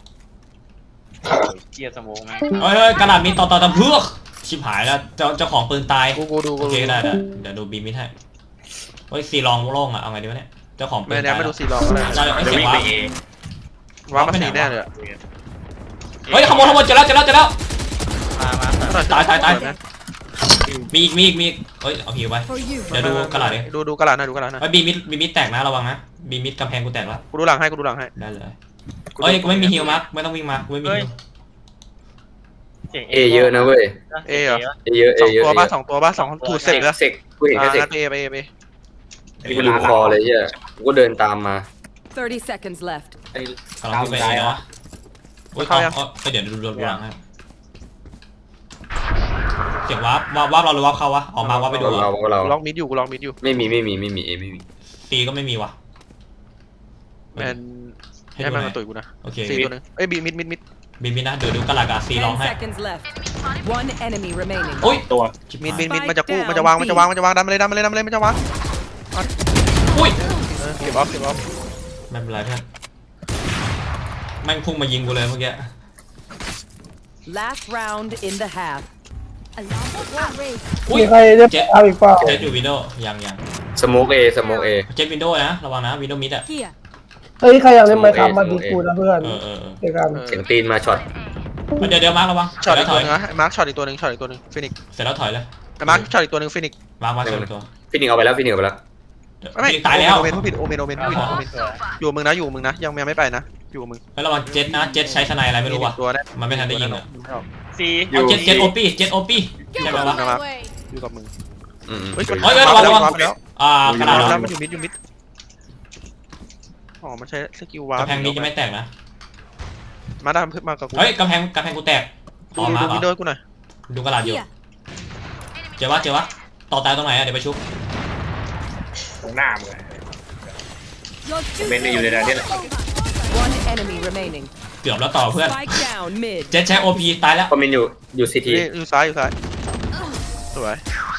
Speaker 7: เกียร์สโมองแม่ง
Speaker 3: เอ้ยเอ้ยกระดาษมีต่อต่อต่อเพื่อกชิบหายแล้วเจ้าเจ้าของปืนตาย
Speaker 2: กูกูดูกู
Speaker 3: โอเค
Speaker 2: ดู
Speaker 3: ได้ได้เดี๋ยวดูบีมิดให้เฮ้ยซีลองโล่งอะเอาไงดีวะเนี่ยเจ้าของปื
Speaker 2: ไม่
Speaker 3: น
Speaker 2: แน่
Speaker 3: ตาย
Speaker 2: ไม่
Speaker 3: แล้ว
Speaker 2: ดูสีลองอะไร
Speaker 3: ได้เอ้ย
Speaker 7: เดี๋ยว
Speaker 3: เสียง
Speaker 7: วิ่ง
Speaker 3: วะ
Speaker 7: ไปเอ
Speaker 2: ว่ามันสีแน่เลยอะ
Speaker 3: เฮ้ยขโมยขโมยเจอแล้วเจอแล้วเจอแล้ว
Speaker 7: มามา
Speaker 3: ตายตายตาย
Speaker 2: นะ
Speaker 3: มีอีกมีอีกมีอีกเอ้ยเอาหิวไป
Speaker 5: For you.
Speaker 3: เดี๋ยวดูกระดาษดิ
Speaker 2: ดูดูกระดาษนะดูกระดาษนะ
Speaker 3: ไอ้บีมิดบีมิดแตกนะระวังนะบีมิดกำแพงกูแตกแล้ว
Speaker 2: กูดูหลังให้กูดูหลังให้
Speaker 3: ได้เลยเอ้ยกูไม่มีฮิวมาร์คไม่ต้องวิ่งมากูไม่มีฮิว
Speaker 7: เสียง
Speaker 4: เอเยอะนะเว้ย
Speaker 2: เอเหรอ
Speaker 4: เอเยอะเอ
Speaker 2: สอง
Speaker 4: เยอะ
Speaker 2: ตัว
Speaker 4: เอ
Speaker 2: ป่ะ
Speaker 4: เยอะ
Speaker 2: สองตัวป่ะสองถูดเสร็จแล้ว
Speaker 4: เสกกูเห็น
Speaker 2: อ่า
Speaker 4: แค่เสก
Speaker 2: งั้นเอไปเอไป
Speaker 4: กูดูคอเลยเหี้ยกูก็เดินตามมา
Speaker 5: thirty seconds left.
Speaker 1: ไอ้
Speaker 3: กำลังวิ่งไปเองเนาะโอ้ยเอาเอาเดี๋ยวดูดูดูหลังให้เสียงวาร์ปวาร์ปวาร์ปเราหรือวาร์ปเขาวะออกมาวาร์ปไปดู
Speaker 4: เราเรา
Speaker 2: กูล็อกมิดอยู่กูล็อกมิดอยู่
Speaker 4: ไม่มีไม่มีไม่มีเอไม่มี
Speaker 3: ตีก็ไม่มีวะ
Speaker 2: แมนให้มันมาตุ๋ยกูนะ
Speaker 3: โอเค
Speaker 2: สี่ตัวหนึงเอ้ยบีมิดมิดมิด
Speaker 3: บีมิดนะเดี๋ยวดูกระดาษกับซีร้อง
Speaker 5: Ten
Speaker 3: ให้
Speaker 5: seconds left. One enemy remaining.
Speaker 3: โอ้ย
Speaker 1: ตัว
Speaker 2: มิดมิดมิดมันจะกู้มันจะวางมันจะวางมันจะวางดันมาเลยดันมาเลยดันมาเลยมันจะวาง
Speaker 3: อุ้ย
Speaker 2: เออเก็บออฟเก็บออฟ
Speaker 3: ไม่เป็นไรเพื่อนแม่งพุ่งมายิงกูเลยเมื่อกี้
Speaker 5: Last round in the half.
Speaker 6: Alarm bot raised.
Speaker 3: อุ้ย
Speaker 10: มีใครจะเอาอีกเปล่า
Speaker 3: เจ็ดอยู่วินโดว์ยังยัง
Speaker 4: สโมกเอสโมกเอ
Speaker 3: เจ็ดวินโดว์นะระวังนะวินโดว์มิดอะ
Speaker 6: Here.
Speaker 10: เฮ้ยใครอยากเล่นไมค์ครับมาดีกูนะเพื่อน
Speaker 3: เออเออเออ
Speaker 10: เดี๋ยวกัน
Speaker 4: เสียงตีนมาช็อต
Speaker 3: เดี๋ยวเดี๋ยวมาร์คระวัง
Speaker 2: ช็อต
Speaker 3: เสร็
Speaker 2: อี
Speaker 3: จ
Speaker 2: ก
Speaker 3: แล้วถ
Speaker 2: ตัว
Speaker 3: อย
Speaker 2: หนึงนะไอ้มาร์คช็อตอีกตัวหนึงช็อตอีกตัวหนึงฟินิก
Speaker 3: เสร็จแล้วถอยเลย
Speaker 2: ไอ้มาร์คช็อตอีกตัวหนึงฟินิก
Speaker 3: มาร์คมาร์คเสร็จตัว
Speaker 4: ฟินิกเอาไปแล้วฟินิกเอาไปแล้ว
Speaker 2: ไม่
Speaker 3: ตายแล้ว
Speaker 2: โอเมนผู้ผิดโอเมนโอเมนผู้ผิดโอเมนอยู่กับมึงนะอยู่กับมึงนะยังยังไม่ไปนะอยู่กับมึง
Speaker 3: ไประวังเจ็ดนะเจ็ดใช้สไนอะไรไม่รู้ว่ะ
Speaker 2: ตัวได้
Speaker 3: มันไม่ทันได้ยิงอะ
Speaker 7: ซี
Speaker 3: เอาเจ็ดเจ็ดโอปี้เจ็ดโอปี้
Speaker 6: Get
Speaker 3: ใช่ไหม
Speaker 6: out
Speaker 3: วะ
Speaker 6: of my way.
Speaker 2: อยู่กับมึง
Speaker 4: อืม
Speaker 2: เฮ้ย
Speaker 3: เฮ้ยเฮ้ยระวังระวัง
Speaker 2: วาร์ปไปแล้ว
Speaker 3: อ่ากระดาษ
Speaker 2: วาร์ป
Speaker 3: เหร
Speaker 2: แล้
Speaker 3: อ
Speaker 2: วมันอยู่มิดอยู่มิดอ๋อมันใช้สกิลวาร์ป
Speaker 3: กำแพงนี้จะไม่แตกนะ
Speaker 2: มาได้พึ่งมากับกู
Speaker 3: เฮ้ยกำแพงกำแพงกูแตก
Speaker 2: ดู
Speaker 3: อ๋อ
Speaker 2: ดู
Speaker 3: มา
Speaker 2: ดู
Speaker 3: เหร
Speaker 2: วินโด
Speaker 3: อ
Speaker 2: ว์กูหน่อย
Speaker 3: ดูกระดาษอยู่
Speaker 6: Here.
Speaker 3: เจอวะเจอวะต่อตายตรงไหนอะเดี๋ยวไปชุบ
Speaker 1: ตรงหน้ามึงอะ
Speaker 6: Your duty
Speaker 1: เมนอยู่ในนั้นนี่แหละ
Speaker 6: is over.
Speaker 5: One enemy remaining.
Speaker 3: เกือบแล้วต่อเพื่อน
Speaker 5: Spike down mid.
Speaker 3: เจ็ดใช้โอพีตายแล้ว
Speaker 4: คอมเมนต์อยู่อยู่ซีที
Speaker 2: นี่อยู่ซ้ายอยู่ซ้ายสวย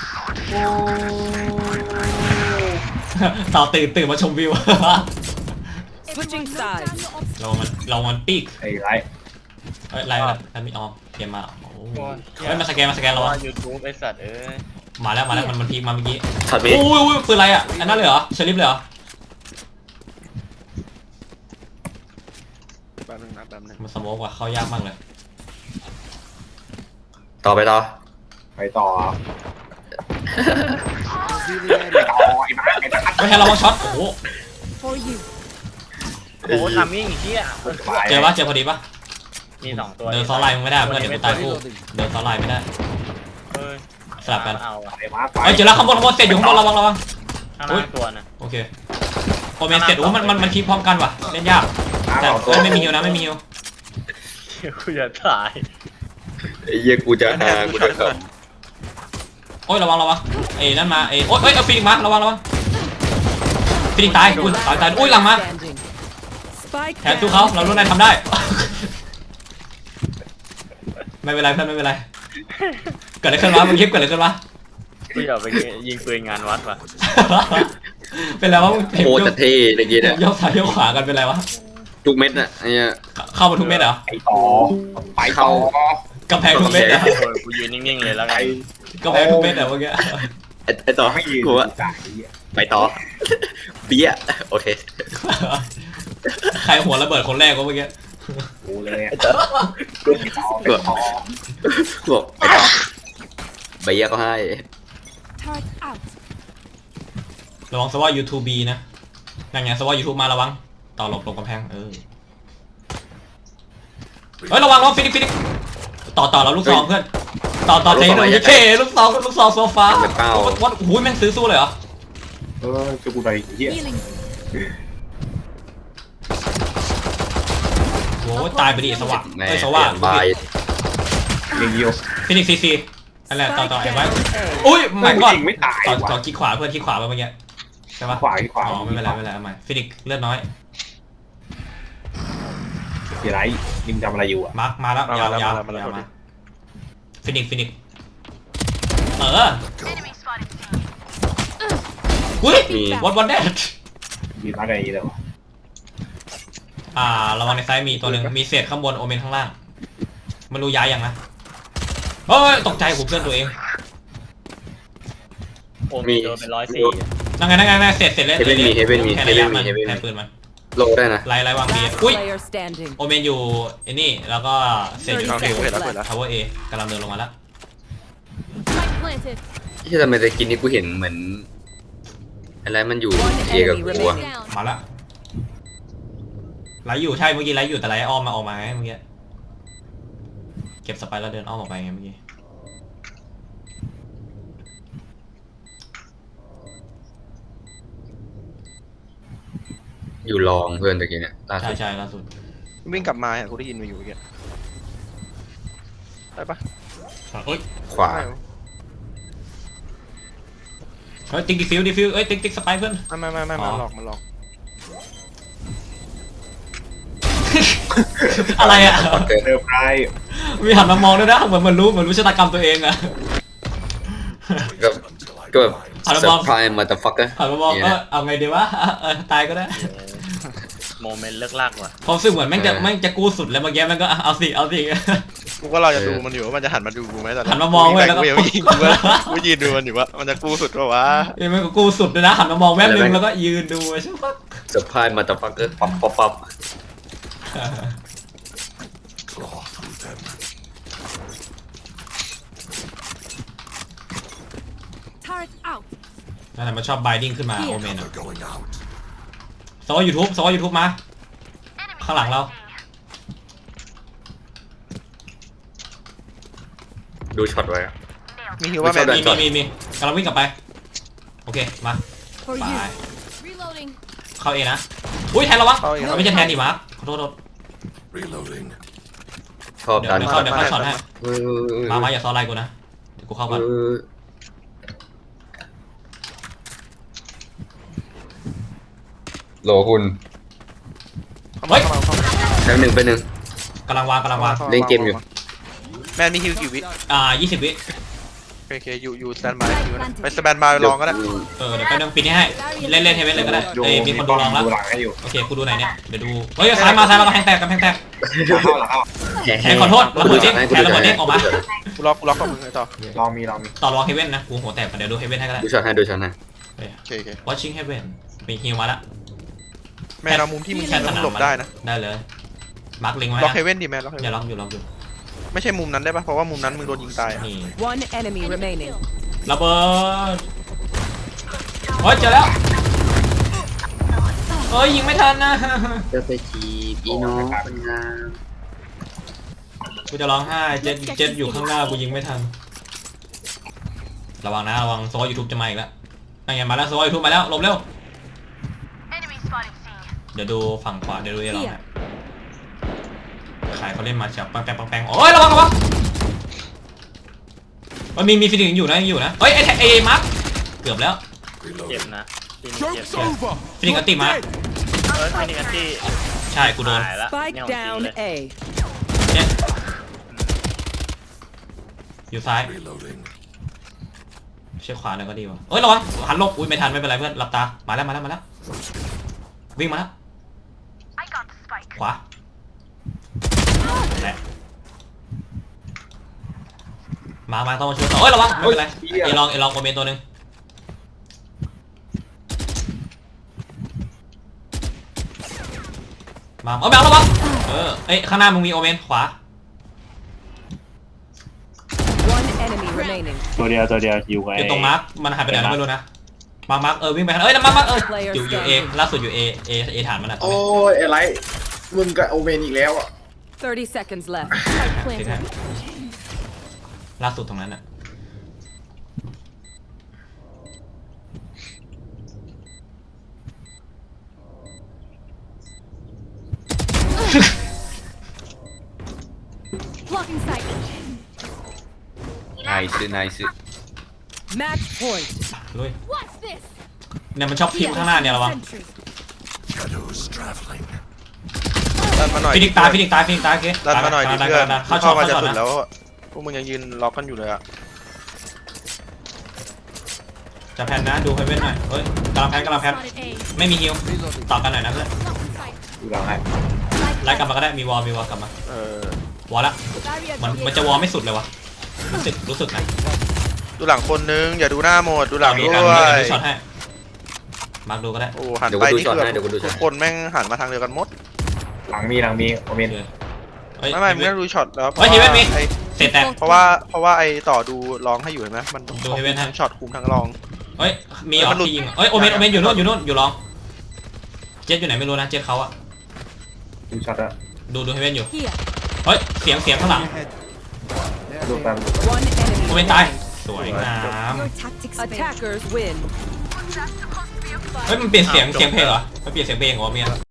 Speaker 3: ต่อตื่นตื่นมาชมวิว
Speaker 5: Switching
Speaker 6: Everyone, note
Speaker 5: sides.
Speaker 6: down your obstacles.
Speaker 3: เรามันเรามันปีก
Speaker 1: ไอ้ไร
Speaker 3: เอ้ยไล่ไล่ไล่ไม่ออกเกมมาโอ้โหเฮ้ยมาสแกนมาสแกนเรา
Speaker 7: ว่า
Speaker 3: อะ
Speaker 7: ยูทูบไอสัตว์เอ้ย
Speaker 3: มาแล้วมาแล้วมันมันพีกมาเมื่อกี้
Speaker 4: ช็อต
Speaker 3: โอ้
Speaker 4: นี้
Speaker 3: ยโอ้ยปืนอะไรอะอันนั้นเลยเหรอเชลิฟเลยเหรอ
Speaker 2: แป๊บนึงนะแป๊บนึง
Speaker 3: มันสโมกว่ะเข้ายากมากเลย
Speaker 4: ต่อไปต่อ
Speaker 1: ไปต่อ
Speaker 8: Revealing
Speaker 1: ไป
Speaker 8: area.
Speaker 1: ต่อไอ้บ้าไอ้ตะคัด
Speaker 3: ไม่ให้เรามาช็อตโอ้โห
Speaker 6: For you.
Speaker 7: โอ้โหทำมิ่งเฮีย
Speaker 3: เจอปะเจอพอดีปะ
Speaker 7: มีสองตัว
Speaker 3: เดินซ้อนไลน์มึงไม่ได้เพื่อนเดี๋ยวกูตายคู่เดินซ้อนไลน์ไม่ได้
Speaker 7: เฮ้ย
Speaker 3: สลับกัน
Speaker 7: เอาอะ
Speaker 1: ไอ้บ้าไป
Speaker 3: เฮ้ยเจอแล้วข้างบนข้างบนเสร็จอยู่ข้างบนระวังระวัง
Speaker 7: ข้างหน้าตัวน่ะ
Speaker 3: โอเคโอเมนเสร็จโอ้มันมันมันคีพร้อมกันว่ะเล่นยาก
Speaker 1: น้า
Speaker 3: แต่
Speaker 1: สองตัว
Speaker 3: เอ้ยไม่มีฮิวนะไม่มีฮิว
Speaker 7: กูจะตาย
Speaker 4: ไอ้เหี้ยกูจะ
Speaker 2: แท
Speaker 4: หาน กู
Speaker 2: ช็อ
Speaker 4: จะ
Speaker 2: ต
Speaker 4: เข้า
Speaker 3: โอ้ยระวังระวังเอ้ยนั่นมาเอ้ยโอ้ยเอ้ยเอาฟินิกมาระวังระวังฟินิกตายอุ้ยตายตายอุ้ยหลังมา
Speaker 5: Standing. Spike
Speaker 3: แทนสู้เขาเรารู้นายทำได้ ไม่เป็นไรเพื่อนไม่เป็นไรเกิดอะไรขึ้นวะมึงคลิปเกิดอะไรขึ้นวะ
Speaker 7: กูอยากไปยิงปืนงานวัดว่ะ
Speaker 3: เป็นไรวะมึงเห็น
Speaker 4: โค
Speaker 3: ย
Speaker 4: ตร
Speaker 3: ก
Speaker 4: เท่ตะกี้เนี่ย
Speaker 3: ยกซ้ายยกขวากันเป็นไรวะ
Speaker 4: ทุกเม็ดน่ะไอ้เหี้ย
Speaker 3: เข้ามาทุกเม็ดเหรอ
Speaker 1: ไปต่อไปต่อก
Speaker 3: ำแพงทุกเม็ดเหรอ
Speaker 7: โอ้ยกูยืนนิ่งๆเลยแล้ว
Speaker 1: ไป
Speaker 7: กัน
Speaker 3: กำแพงทุกเม็ดเหรอเมื่อกี้
Speaker 4: ไอ้ไอ้ต่อ
Speaker 1: ไม่ยืน
Speaker 4: กูว่า
Speaker 1: จ่าย
Speaker 4: ไปต่อเปี้ยโอเค
Speaker 3: ใครหัวระเบิดคนแรกวะเมื่อกี้
Speaker 1: กูเลยอะไปต่อไปต่อ
Speaker 4: กูบอกไปต่อใบเหี้ยก็ให้
Speaker 6: Turret out.
Speaker 3: ระวังซะว่า YouTube บีนะนั่นไงซะว่า YouTube มาระวังต่อหลบหลบกำแพงเออเฮ้ยระวังระวังฟินิกฟินิกต่อต่อเราลูกซองเพื่อนต่อต่อใจหน่อยเท่ลูกซองลูกซองโซฟาวัดวัดโอ้ยแม่งซื้อสู้เลยเหรอ
Speaker 1: เออจะกูไปเหี้ย
Speaker 6: Healing.
Speaker 3: โอ้ยตายไปดิสว่าง
Speaker 4: แม่
Speaker 3: เอ้ยสว่าง
Speaker 4: บาย
Speaker 1: ยิงยิว
Speaker 3: ฟินิกซีซีนั่นแหละต่อต่อ
Speaker 5: Spike
Speaker 3: ไอ้ไว้
Speaker 5: down A.
Speaker 3: อุ้ยไม่ก่อน
Speaker 1: ยิงไม่ตาย
Speaker 3: ต่อ
Speaker 1: ว่ะ
Speaker 3: ต่อขี้ขวาเพื่อนขี้ขวาไปเมื่อกี้ใช่ปะ
Speaker 1: ขวาที่ขวา
Speaker 3: อ๋อไม่เป็นไรไม่เป็นไรเอาใหม่ฟินิกเลือดน้อย
Speaker 1: เดี๋ยวไรยิงทำอะไรอยู่อ่ะ
Speaker 3: มาร์คมาแล้วยาวยาวยาวมาฟินิกฟินิกเอออุ้ย
Speaker 4: มี
Speaker 3: วันวันแดด
Speaker 1: ยิงอะไรเลยวะ
Speaker 3: อ่าระวังในซ้ายมีตัวหนึ่งมีเศษข้างบนโอเมนข้างล่างมันรู้ย้ายยังนะเฮ้ยตกใจผมเพื่อนตัวเอง
Speaker 7: โอ้มีโดนเป็นร้อยสี่
Speaker 3: นั่งไงนั่งไงนั่งเศษเศษเล่น
Speaker 4: เฮเว่นมีเฮเว่นมี
Speaker 3: แทน
Speaker 4: เฮ
Speaker 3: ระ
Speaker 4: เว่
Speaker 3: ยะ
Speaker 4: น
Speaker 3: มั
Speaker 4: มี
Speaker 3: น
Speaker 4: เฮเว่น
Speaker 3: แท
Speaker 4: มี
Speaker 3: นปืนมัน
Speaker 4: โลได้นะ
Speaker 3: ไล่ไล่วางบี
Speaker 5: Last
Speaker 3: อุ้ย
Speaker 5: player standing.
Speaker 3: โอเมนอยู่ไอ้นี่แล้วก็เศษอยู่
Speaker 2: โอเค
Speaker 3: ที่
Speaker 2: กูเห็นแล้วกูเห็นแล้ว
Speaker 3: ทาวเวอร์เอกำลังเดินลงมาแล้ว
Speaker 6: planted.
Speaker 4: ที่ทำไมตะกินนี้กูเห็นเหมือนอะไรมันอยู่
Speaker 5: One
Speaker 4: เอกับ
Speaker 5: enemy
Speaker 4: กูอะ
Speaker 5: remaining.
Speaker 6: Down.
Speaker 3: มาละไหลอยู่ใช่เมื่อกี้ไหลอยู่แต่ไหลอ้อมมาออกมาไงเมื่อกี้เก็บสไปร์แล้วเดินอ้อมออกไปไงเมื่อกี้
Speaker 4: อยู่ลองเพื่อนตะกี้เนี่ยล่า
Speaker 3: ใช่
Speaker 4: สุด
Speaker 3: ใช่ล่าสุด
Speaker 2: วิ่งกลับมาอ่ะกูได้ยินมาอยู่เมื่อกี้ได้ปะ
Speaker 3: เอ้ย
Speaker 4: ขวา
Speaker 2: ไม่
Speaker 3: เฮ้ยติ๊กดิฟิวดิฟิวเอ้ยติ๊กติ๊กสไปร์เพื่อน
Speaker 2: ไม่ไม่ไม่
Speaker 3: อ๋
Speaker 2: มา
Speaker 3: อ
Speaker 2: หลอกมาหลอก
Speaker 3: อะไรอ่ะ
Speaker 1: เซอร์ไพรส์
Speaker 3: มีหันมามองด้วยนะเหมือนเหมันรู้เหมือนรู้ชะตากรรมตัวเองอะ
Speaker 4: ก็ก็แบบ
Speaker 3: เอาละ
Speaker 4: เซอ
Speaker 3: มอง
Speaker 4: ร์ไพรส์มาแต่ฟักเกอร์
Speaker 3: หันมามองเออเอาไงดีวะเออตายก็ได้
Speaker 7: โมเมนต์เลิกลากว่ะ
Speaker 3: ความรู้สึกเหมือนแม่งจะแม่งจะกู้สุดแล้วเมื่อกี้แม่งก็อ่ะเอาสิเอาสิ
Speaker 2: กูก็เราจะดูมันอยู่ว่ามันจะหันมาดูกูไหมตอน
Speaker 3: หันมามองเว้ยแล้วก็
Speaker 2: กูยังไม่ยิงกูว่ากูยืนดูมันอยู่ว่ามันจะกู้สุดปะวะ
Speaker 3: เอ้ยแม่งก็กู้สุดเลยนะหันมามองแม่นึงแล้วก็ยืนดูใช่ปะ
Speaker 4: เซอร์ไพรส์มาแต่ฟักเกอร์ปั๊บปั๊บปั๊บ
Speaker 6: Turret out.
Speaker 3: นั่นแหละมันชอบไบดิ้งขึ้นมาโอเมนอะโซ่ยูทูบโซ่ยูทูบมาข้างหลังเรา
Speaker 4: ดูช็อตไว้อะ
Speaker 2: มีฮิวว่าแมน
Speaker 4: ไม่
Speaker 3: มี
Speaker 4: ใช่
Speaker 3: มีมีมีกำลังวิ่งกลับไปโอเคมา
Speaker 6: For
Speaker 3: ไป
Speaker 6: you. Reloading.
Speaker 3: เข้าเอนะอุ้ยแทนระวังเราไม่ใช่แทนดิมาร์คขอโทษขอโทษ
Speaker 4: ชอบ
Speaker 3: เดี๋ยว
Speaker 4: ดัน
Speaker 3: เดี๋ยวเข้าเดี๋ยวเข้าช็อตให้
Speaker 4: เออเออเออ
Speaker 3: มามาอย่าซ้อนไล่กูนะเดี๋ยวกูเข้าก่อน
Speaker 4: เออโหลคุณ
Speaker 3: เฮ้ย
Speaker 4: แป๊บหนึ่งไปบหนึ่ง
Speaker 3: กำลังวางกำลังวาง
Speaker 4: เล่นเกมอยู่
Speaker 2: แมนมีฮิวกี่วิ
Speaker 3: อ่ายี่สิบวิ
Speaker 2: โอเคอยู่อยู่สแตนบายอยู่นะไปสแตนบายลองก็ได้
Speaker 3: เออเดี๋ยวไปนึงปิดนี่ให้เล่นเล่นเทเวนเลยก็ได้
Speaker 1: อยู่
Speaker 3: เอ้ยมีคนดูลองแล้ว
Speaker 1: ดูหลังให้อยู่
Speaker 3: โอเคกูดูไหนเนี่ยเดี๋ยวดูเฮ้ยซ้ายมาซ้ายมากำแพงแตกกำแพงแตก
Speaker 1: หลังเข้าหลังเข้า
Speaker 3: แทนขอโทษระเบิดเด้งแทนระเบิดเด้งออกมา
Speaker 2: กูล็อกกูล็อกกับมึงไอ้ต่อ
Speaker 1: ลองมีลองมี
Speaker 3: ต่อรองเฮเว่นนะกูหัวแตกเดี๋ยวดูเฮเว่นให้ก็ได้
Speaker 4: ดูช็อตให้ดูช็อตให้
Speaker 2: โอเคโอเค
Speaker 3: watching heaven มีฮิวมาละ
Speaker 2: แมนเอามุมที่มึง
Speaker 3: แท
Speaker 2: แท
Speaker 3: น
Speaker 2: น
Speaker 3: สนาม
Speaker 2: หลบได้นะ
Speaker 3: ได้เลยมาร์คลิงไว้
Speaker 2: ล็อก
Speaker 3: นะ
Speaker 2: เฮเว่นดิแมนล็อกเฮ
Speaker 3: อย่า
Speaker 2: เว่น
Speaker 3: ล็อกอยู่ล็อกอยู่
Speaker 2: ไม่ใช่มุมนั้นได้ปะเพราะว่ามุมนั้นมึงโดนยิงตายอะ
Speaker 3: นี่
Speaker 5: One enemy remaining.
Speaker 3: ระเบิดเฮ้ยเจอแล้วเฮ้ยยิงไม่ทันนะ
Speaker 4: จะไปจีบอีน้องคนงาม
Speaker 3: กูจะร้องไห้เจ็ดเจ็ดอยู่ข้างหน้ากูยิงไม่ทันระวังนะระวังโซ่ยูทูบจะมาอีกแล้วนั่นไงมาแล้วโซ่ยูทูบมาแล้วหลบเร็วเดี๋ยวดูฝั่งขวาเดี๋ยวดูเอลองนะขายเขาเล่นมาจับปังแปงปังแปงโอ้ยระวังระวังมันมีมีฟิลิงอยู่นะยังอยู่นะเฮ้ยไอ้ไอ้มาร์คเกือบแล้ว
Speaker 7: เจ็บนะทีนี้เจ็บ
Speaker 8: Joke's over.
Speaker 3: ฟิลิงอันติมา
Speaker 7: เออทีนี้กันที่
Speaker 3: ใช่กูโดน
Speaker 7: หายละ
Speaker 5: Spike
Speaker 7: เนี่ยของจริง
Speaker 5: down
Speaker 7: เลย
Speaker 5: A.
Speaker 3: เนี่ยอยู่ซ้ายเช็คขวาหน่อยก็ดีวะเอ้ยระวังหันหลบอุ้ยไม่ทันไม่เป็นไรเพื่อนหลับตามาแล้วมาแล้วมาแล้ววิ่งมาแล้วขวาแหละมามาต้องมาช่วยต่อเอ้ยระวังไม่เป็นไรเอลองเอลองโอเมนตัวหนึ่งมาเอาแมวระวังเออเอ้ยข้างหน้ามึงมีโอเมนขวา
Speaker 5: One enemy remaining.
Speaker 1: ตัวเดียวตัวเดียวอยู่ไง
Speaker 3: อยู่ตรงมาร์คมันหายไปไหนแล้วไม่รู้นะมาร์คมาร์คเออวิ่งไปทางเอ้ยมาร์คมาร์คเอออยู่อยู่เอล่าสุดอยู่เอเอเอฐานมันอะตอน
Speaker 4: โอ้
Speaker 3: นี้
Speaker 4: ยอะไรมึงกับโอเมนอีกแล้วอ่ะ
Speaker 5: Thirty seconds left.
Speaker 6: Spike
Speaker 3: ที่
Speaker 6: planted.
Speaker 3: แท้ล่าสุดตรงนั้นอะ
Speaker 6: Blocking sight.
Speaker 4: นายซื้อนายซื้อ
Speaker 5: Match point.
Speaker 3: ลุย
Speaker 6: What's this?
Speaker 3: เนี่ยมันชอบพิมพ์ข้างหน้าเนี่ยระวัง
Speaker 6: Sentry.
Speaker 2: ดันมาหน่อย
Speaker 3: ฟินิกตายฟินิกตายฟินิกตายโอเค
Speaker 2: ดันมาหน่อยดิ
Speaker 3: ดัน
Speaker 2: เพื่อน
Speaker 3: ดันเข้าช็อต
Speaker 2: มา
Speaker 3: เข้า
Speaker 2: จะ
Speaker 3: ช็อต
Speaker 2: สุด
Speaker 3: นะ
Speaker 2: แล้วอะพวกมึงยังยืนล็อกกันอยู่เลยอะ
Speaker 3: จะแพนนะดูไฮเว่นหน่อยเฮ้ยกำลังแพนกำลังแพน
Speaker 6: Spotted A.
Speaker 3: ไม่มีฮิวต่อกันหน่อยนะเพื่อน
Speaker 6: Blocking sight.
Speaker 1: ดูหลังให้
Speaker 3: ไล่กลับมาก็ได้มีวอลมีวอลกลับมา
Speaker 2: เออ
Speaker 3: วอลละ
Speaker 6: Barrier
Speaker 3: มัน
Speaker 6: created.
Speaker 3: มันจะวอลไม่สุดเลยวะรู้สึกรู้สึกนะ
Speaker 2: ดูหลังคนนึงอย่าดูหน้าหมดดูหลัง
Speaker 3: ดู
Speaker 2: ด้
Speaker 3: กัน
Speaker 2: ว
Speaker 3: ดู
Speaker 2: ย
Speaker 3: ดูช็อตให้มาร์คดูก็ได้
Speaker 2: โอ้หัน
Speaker 4: เดี๋ยว
Speaker 2: ไป
Speaker 4: กูดู
Speaker 2: นี่
Speaker 4: ช็อต
Speaker 2: คือ
Speaker 4: ให้เดี๋ยวกูดูช็อ
Speaker 2: ทุ
Speaker 4: ต
Speaker 2: กคนแม่งหันมาทางเดียวกันหมด
Speaker 1: หลังมีหลังมีโอเมน
Speaker 3: เฮ้ย
Speaker 2: ไม่ไม่ไม่ต้องดูช็อตแล้ว
Speaker 3: เฮ้ยเฮเว่นมี
Speaker 2: ไอ้
Speaker 3: เสร็จแต่
Speaker 2: เพราะว่าเพราะว่าไอต่อดูร้องให้อยู่เห็นไหมมัน
Speaker 3: ดูให้เว้นให้
Speaker 2: ทั้งช็อตคุมทั้งรอง
Speaker 3: เฮ้ยมีออ
Speaker 2: มันหลุด
Speaker 3: ที่ยิงเฮ้ยโอเมนโอเมนอยู่นู่นอยู่นู่นอยู่ลองเจ็ดอยู่ไหนไม่รู้นะเจ็ดเขาอะ
Speaker 1: ดูช็อตอะ
Speaker 3: ดูดูให้เว้นอยู่
Speaker 6: Here.
Speaker 3: เฮ้ยเสียงเสียงข้างหลัง
Speaker 8: Ahead.
Speaker 1: ดูแป๊บ
Speaker 5: One
Speaker 3: โอเม
Speaker 5: enemy.
Speaker 3: นตายสวยงาม
Speaker 6: Your tactics failed.
Speaker 5: Attackers win.
Speaker 3: เฮ้ยมันเปลี่ยนเสียงเสียงเพลงเหรอมันเปลี่ยนเสียงเพลงเหรอเมีย